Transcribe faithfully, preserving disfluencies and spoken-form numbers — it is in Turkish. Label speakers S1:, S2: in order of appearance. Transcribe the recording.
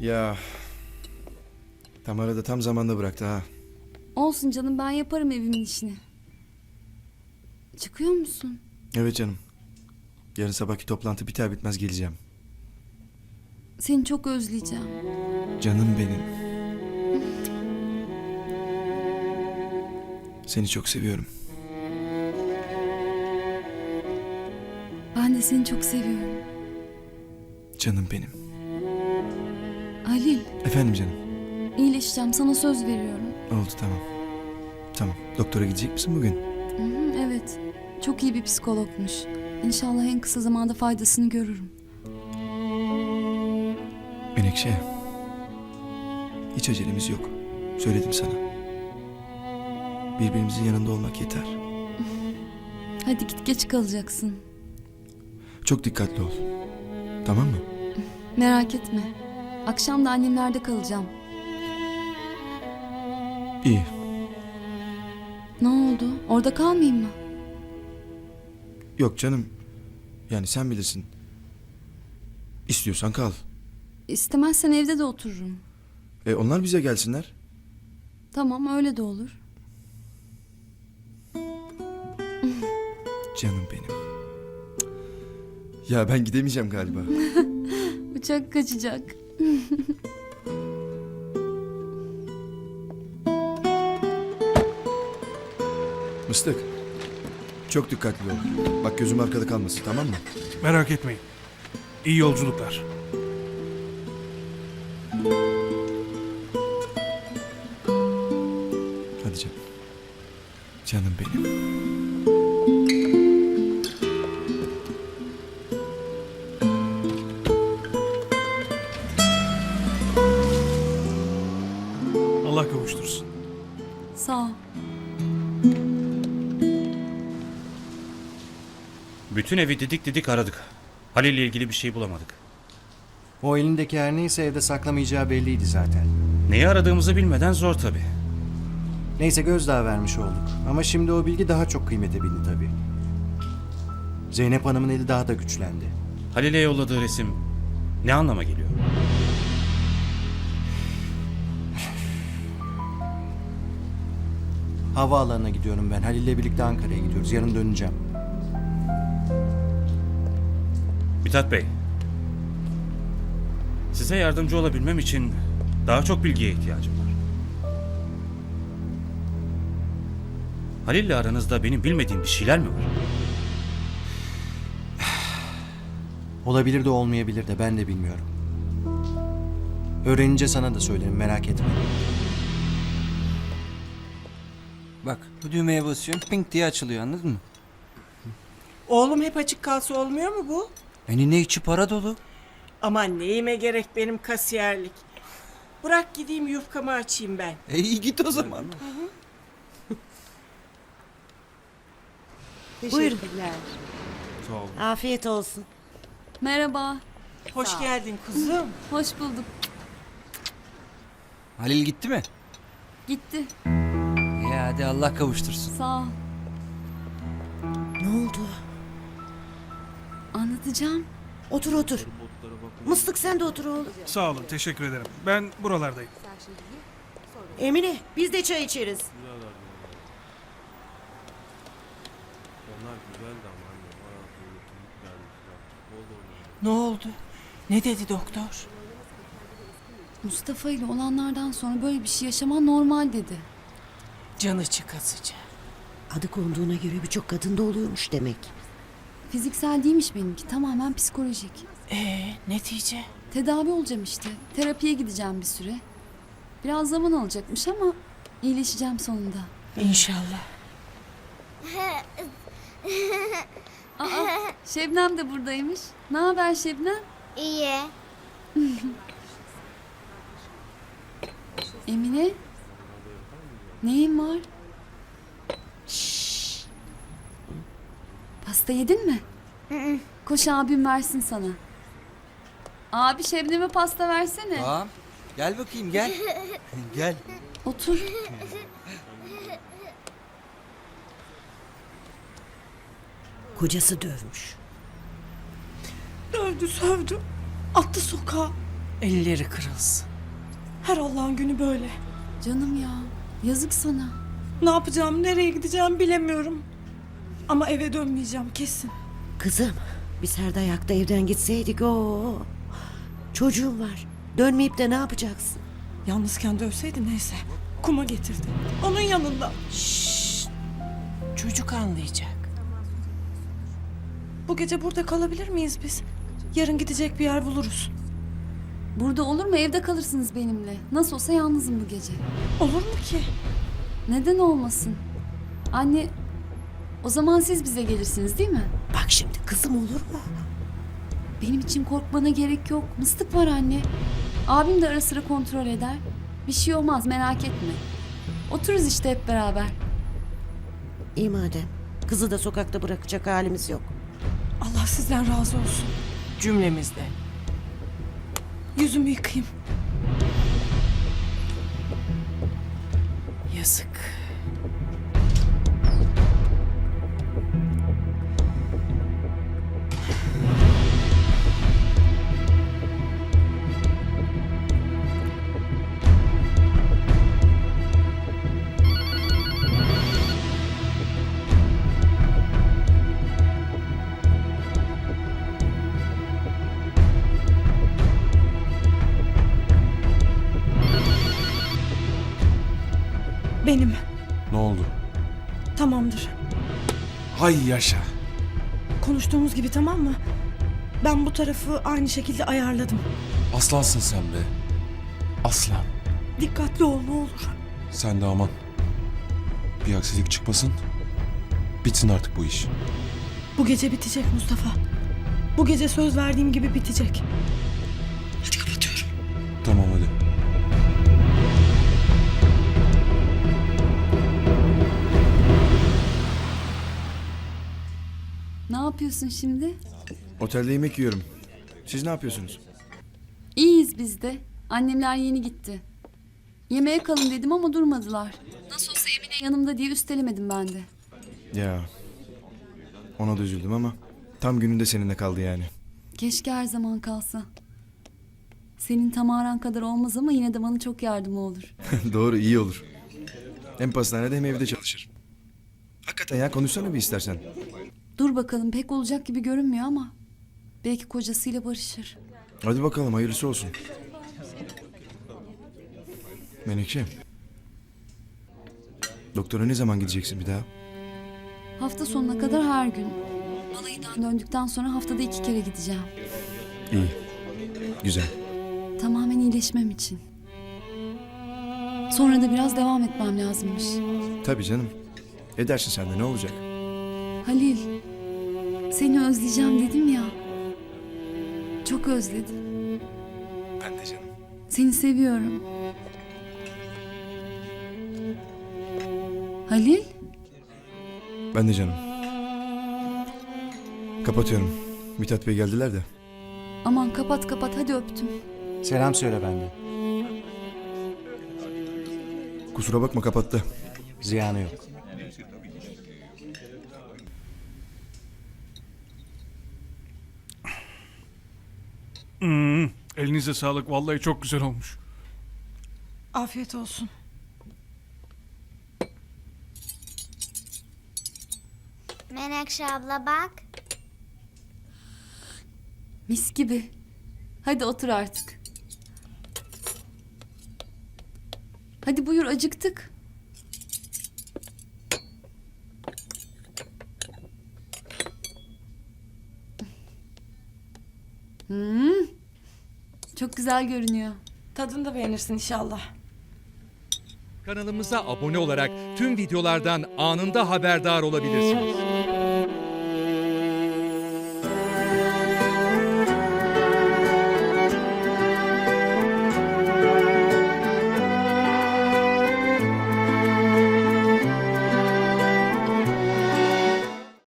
S1: Ya Tamara da tam zamanda bıraktı ha.
S2: Olsun canım, ben yaparım evimin işini. Çıkıyor musun?
S1: Evet canım. Yarın sabahki toplantı biter bitmez geleceğim.
S2: Seni çok özleyeceğim.
S1: Canım benim. Seni çok seviyorum.
S2: Ben de seni çok seviyorum.
S1: Canım benim.
S2: Halil,
S1: Efendim canım.
S2: iyileşeceğim, sana söz veriyorum.
S1: Oldu, tamam. Tamam. Doktora gidecek misin bugün?
S2: Hı hı, evet, çok iyi bir psikologmuş. İnşallah en kısa zamanda faydasını görürüm.
S1: Menekşe. Hiç acelemiz yok. Söyledim sana. Birbirimizin yanında olmak yeter.
S2: Hadi git, geç kalacaksın.
S1: Çok dikkatli ol. Tamam mı?
S2: Merak etme. Akşam da annemlerde kalacağım.
S1: İyi.
S2: Ne oldu? Orada kalmayayım mı?
S1: Yok canım. Yani sen bilirsin. İstiyorsan kal.
S2: İstemezsen evde de otururum.
S1: E onlar bize gelsinler.
S2: Tamam, öyle de olur.
S1: Canım benim. Ya ben gidemeyeceğim galiba.
S2: Uçak kaçacak.
S1: Mıstık. Çok dikkatli ol. Bak gözüm arkada kalmasın, tamam mı?
S3: Merak etmeyin. İyi yolculuklar.
S1: Hadi canım. Canım benim.
S3: Allah kavuştursun.
S2: Sağ ol.
S4: Bütün evi didik didik aradık. Halil'le ilgili bir şey bulamadık.
S5: O elindeki her neyse evde saklamayacağı belliydi zaten.
S4: Neyi aradığımızı bilmeden zor tabii.
S5: Neyse gözdağı vermiş olduk. Ama şimdi o bilgi daha çok kıymete bindi tabii. Zeynep Hanım'ın eli daha da güçlendi.
S4: Halil'e yolladığı resim ne anlama geliyor?
S5: Havaalanına gidiyorum ben. Halil'le birlikte Ankara'ya gidiyoruz. Yarın döneceğim.
S4: Mithat Bey, size yardımcı olabilmem için daha çok bilgiye ihtiyacım var. Halil'le aranızda benim bilmediğim bir şeyler mi var?
S5: Olabilir de olmayabilir de ben de bilmiyorum. Öğrenince sana da söylerim, merak etme.
S6: Bak bu düğmeye basıyorsun pink diye açılıyor, anladın mı?
S7: Oğlum hep açık kalsa olmuyor mu bu?
S6: Yani ne içi para dolu.
S7: Aman neyime gerek benim kasiyerlik. Bırak gideyim yufkamı açayım ben.
S6: E iyi git o zaman.
S8: Buyurun.
S1: Sağ ol.
S8: Afiyet olsun.
S2: Merhaba.
S7: Hoş geldin kuzum.
S2: Hoş bulduk.
S6: Halil gitti mi?
S2: Gitti.
S6: Ya hadi Allah kavuştursun.
S2: Sağ ol.
S8: Ne oldu?
S2: Anlatacağım.
S8: Otur otur. Mıstık sen de otur oğlum.
S3: Sağ olun, teşekkür ederim. Ben buralardayım.
S8: Emine biz de çay içeriz.
S7: Ne oldu? Ne dedi doktor?
S2: Mustafa ile olanlardan sonra böyle bir şey yaşaman normal dedi.
S7: Canı çıkasıca.
S8: Adı konduğuna göre birçok kadında oluyormuş demek.
S2: Fiziksel değilmiş benimki, tamamen psikolojik.
S7: Ee, netice?
S2: Tedavi olacağım işte. Terapiye gideceğim bir süre. Biraz zaman alacakmış ama iyileşeceğim sonunda.
S7: İnşallah.
S2: Aa, Şebnem de buradaymış. Ne haber Şebnem?
S9: İyi.
S2: Emine? Neyin var? Pasta yedin mi? Koş abim versin sana. Abi Şebnem'e pasta versene.
S6: Tamam. Gel bakayım gel. Gel.
S2: Otur.
S8: Kocası dövmüş.
S7: Dövdü sövdü. Attı sokağa. Elleri kırılsın. Her Allah'ın günü böyle.
S2: Canım ya, yazık sana.
S7: Ne yapacağım, nereye gideceğim bilemiyorum. Ama eve dönmeyeceğim kesin.
S8: Kızım biz her dayakta evden gitseydik o. Çocuğum var. Dönmeyip de ne yapacaksın?
S7: Yalnızken dövseydi neyse. Kuma getirdi. Onun yanında.
S9: Çocuk anlayacak.
S7: Bu gece burada kalabilir miyiz biz? Yarın gidecek bir yer buluruz.
S2: Burada olur mu? Evde kalırsınız benimle. Nasıl olsa yalnızım bu gece.
S7: Olur mu ki?
S2: Neden olmasın? Anne, o zaman siz bize gelirsiniz değil mi?
S8: Bak şimdi kızım olur mu?
S2: Benim için korkmana gerek yok. Mıstık var anne. Abim de ara sıra kontrol eder. Bir şey olmaz, merak etme. Otururuz işte hep beraber.
S8: İyi madem. Kızı da sokakta bırakacak halimiz yok.
S7: Allah sizden razı olsun.
S9: Cümlemizde.
S7: Yüzümü yıkayayım.
S9: Yazık.
S7: Benim.
S10: Ne oldu?
S7: Tamamdır.
S10: Hay yaşa.
S7: Konuştuğumuz gibi tamam mı? Ben bu tarafı aynı şekilde ayarladım.
S10: Aslansın sen be. Aslan.
S7: Dikkatli ol ne olur.
S10: Sen de aman. Bir aksilik çıkmasın. Bitsin artık bu iş.
S7: Bu gece bitecek Mustafa. Bu gece söz verdiğim gibi bitecek. Hadi kapatıyorum.
S10: Tamam hadi.
S2: Ne yapıyorsun şimdi?
S1: Otelde yemek yiyorum. Siz ne yapıyorsunuz?
S2: İyiyiz biz de. Annemler yeni gitti. Yemeğe kalın dedim ama durmadılar. Nasıl olsa Emine yanımda diye üstelemedim ben de.
S1: Ya. Ona da üzüldüm ama tam gününde seninle kaldı yani.
S2: Keşke her zaman kalsa. Senin Tamaran kadar olmaz ama yine de bana çok yardımı olur.
S1: Doğru, iyi olur. Hem pastanede hem evde çalışır. Hakikaten ya, konuşsana bir istersen.
S2: Dur bakalım, pek olacak gibi görünmüyor ama belki kocasıyla barışır.
S1: Hadi bakalım, hayırlısı olsun. Menekşe. Doktora ne zaman gideceksin bir daha?
S2: Hafta sonuna kadar her gün. Balayıdan döndükten sonra haftada iki kere gideceğim.
S1: İyi. Güzel.
S2: Tamamen iyileşmem için. Sonra da biraz devam etmem lazımmış.
S1: Tabii canım. Edersin sen de, ne olacak?
S2: Halil, seni özleyeceğim dedim ya. Çok özledim.
S1: Ben de canım.
S2: Seni seviyorum. Halil,
S1: Ben de canım. Kapatıyorum. Mithat Bey geldiler de.
S2: aman kapat kapat, hadi öptüm.
S5: Selam söyle benden.
S1: Kusura bakma, kapattı.
S5: Ziyanı yok.
S3: Hmm, elinize sağlık. Vallahi çok güzel olmuş.
S7: Afiyet olsun.
S11: Menekşe abla bak.
S2: Mis gibi. Hadi otur artık. Hadi buyur, acıktık. Hmm, çok güzel görünüyor.
S7: Tadını da beğenirsin inşallah.
S12: Kanalımıza abone olarak tüm videolardan anında haberdar olabilirsiniz.